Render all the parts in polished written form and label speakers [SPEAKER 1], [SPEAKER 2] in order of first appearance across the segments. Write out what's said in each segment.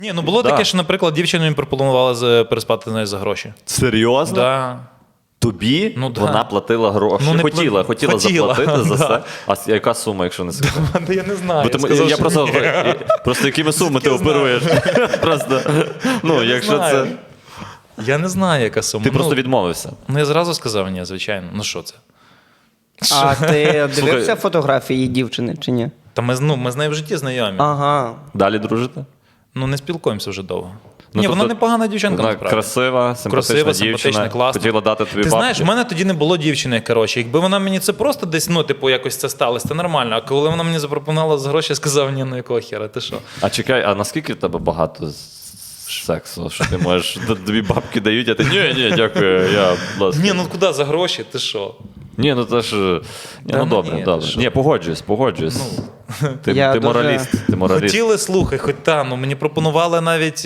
[SPEAKER 1] Ні, ну було таке, що, наприклад, дівчина мені пропонувала переспати з нею за гроші.
[SPEAKER 2] Серйозно?
[SPEAKER 1] Да.
[SPEAKER 2] Тобі
[SPEAKER 1] Ну, да.
[SPEAKER 2] вона платила гроші?
[SPEAKER 1] Ну, не
[SPEAKER 2] хотіла заплатити за
[SPEAKER 1] да.
[SPEAKER 2] це. А яка сума, якщо не секрет?
[SPEAKER 1] Я не знаю.
[SPEAKER 2] Я просто якими сумами ти оперуєш? Просто, ну, якщо це...
[SPEAKER 1] Я не знаю, яка сума.
[SPEAKER 2] Ти просто відмовився.
[SPEAKER 1] Ну, я зразу сказав, ні, звичайно. Ну, що це?
[SPEAKER 3] А ти дивився
[SPEAKER 2] Слухай.
[SPEAKER 3] фотографії дівчини чи ні?
[SPEAKER 1] Та ми з нею в житті знайомі.
[SPEAKER 3] Ага.
[SPEAKER 2] Далі дружите?
[SPEAKER 1] Ну, не спілкуємося вже довго.
[SPEAKER 2] Ну,
[SPEAKER 1] Ні,
[SPEAKER 2] тобто,
[SPEAKER 1] вона непогана дівчинка,
[SPEAKER 2] Вона
[SPEAKER 1] насправді.
[SPEAKER 2] красива, симпатична дівчина.
[SPEAKER 1] класна.
[SPEAKER 2] Хотіла дати тобі
[SPEAKER 1] Ти
[SPEAKER 2] бабки.
[SPEAKER 1] знаєш, в мене тоді не було дівчини, коротше. Якби вона мені це просто десь, ну, типу, якось це сталося, це нормально. А коли вона мені запропонувала за гроші, я сказав, ні, ну якого хера, ти що?
[SPEAKER 2] А чекай, а наскільки в тебе багато сексу, що ти можеш, тобі бабки дають, а ти ні, дякую, я, будь ласка.
[SPEAKER 1] Ні, ну куди за гроші, ти що?
[SPEAKER 2] Ні, ну це ж,
[SPEAKER 1] Та ну
[SPEAKER 2] добре,
[SPEAKER 1] ні,
[SPEAKER 2] добре.
[SPEAKER 1] ти що?
[SPEAKER 2] Ні, погоджуюсь. Ти
[SPEAKER 3] Я дуже-
[SPEAKER 2] мораліст, ти мораліст.
[SPEAKER 1] Хотіли, слухай, хоч ну мені пропонували навіть,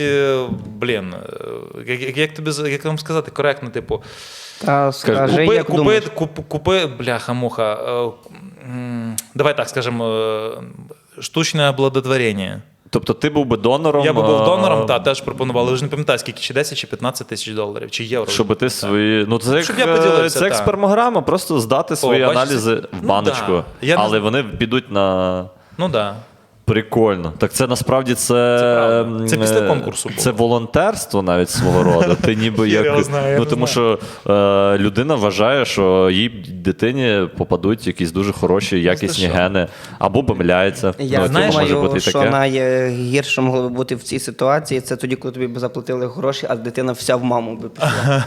[SPEAKER 1] як тобі, як вам сказати, коректно, типу,
[SPEAKER 3] Та скажи, як думаєш.
[SPEAKER 1] купи, бляха-муха, давай так скажемо, штучне обладотворення.
[SPEAKER 2] Тобто ти був би донором?
[SPEAKER 1] Я би був донором, теж пропонували. Ви ж не пам'ятаю, скільки, чи 10, чи 15 тисяч доларів, чи євро.
[SPEAKER 2] Щоб ти свої... Ну, це
[SPEAKER 1] Щоб я
[SPEAKER 2] як,
[SPEAKER 1] поділився,
[SPEAKER 2] це як
[SPEAKER 1] так.
[SPEAKER 2] спермограма, просто здати свої
[SPEAKER 1] бачиш,
[SPEAKER 2] аналізи в
[SPEAKER 1] ну
[SPEAKER 2] баночку.
[SPEAKER 1] да. Я не
[SPEAKER 2] Але
[SPEAKER 1] знаю.
[SPEAKER 2] вони підуть на...
[SPEAKER 1] Ну так. Да.
[SPEAKER 2] Прикольно. Так це насправді
[SPEAKER 1] правда. Це після конкурсу було.
[SPEAKER 2] Це волонтерство навіть свого роду. Ти ніби
[SPEAKER 1] Я
[SPEAKER 2] як...
[SPEAKER 1] його знаю, я
[SPEAKER 2] ну,
[SPEAKER 1] не
[SPEAKER 2] тому
[SPEAKER 1] знаю.
[SPEAKER 2] що людина вважає, що їй дитині попадуть якісь дуже хороші, якісні
[SPEAKER 1] що?
[SPEAKER 2] гени. Або помиляється.
[SPEAKER 3] Я
[SPEAKER 2] це може
[SPEAKER 3] думаю,
[SPEAKER 2] бути і
[SPEAKER 3] що
[SPEAKER 2] таке.
[SPEAKER 3] найгірше могло би бути в цій ситуації, це тоді, коли тобі б заплатили гроші, а дитина вся в маму би пішла.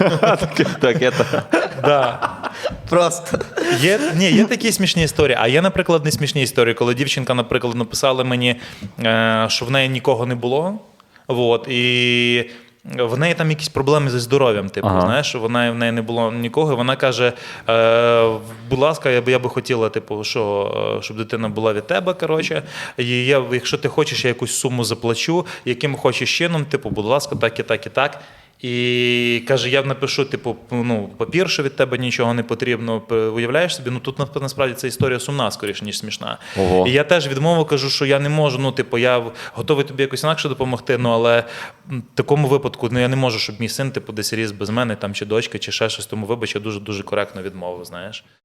[SPEAKER 1] Да.
[SPEAKER 3] Просто.
[SPEAKER 1] Є такі смішні історії, а є, наприклад, не смішні історії, коли дівчинка, наприклад, написала мені, що в неї нікого не було, от, і в неї там якісь проблеми зі здоров'ям, типу, знаєш, в неї не було нікого, і вона каже, будь ласка, я би хотіла, типу, щоб дитина була від тебе, коротше, і якщо ти хочеш, я якусь суму заплачу, яким хочеш чином, типу, будь ласка, так і так і так. І каже, я напишу, типу, папір, що від тебе нічого не потрібно. Уявляєш собі? Ну тут насправді ця історія сумна, скоріше, ніж смішна.
[SPEAKER 2] Ого.
[SPEAKER 1] І я теж відмовив, кажу, що я не можу, я готовий тобі якось інакше допомогти, але в такому випадку я не можу, щоб мій син, типу, десь ріс без мене, там, чи дочка, чи ще щось. Тому вибач, я дуже-дуже коректно відмовив, знаєш.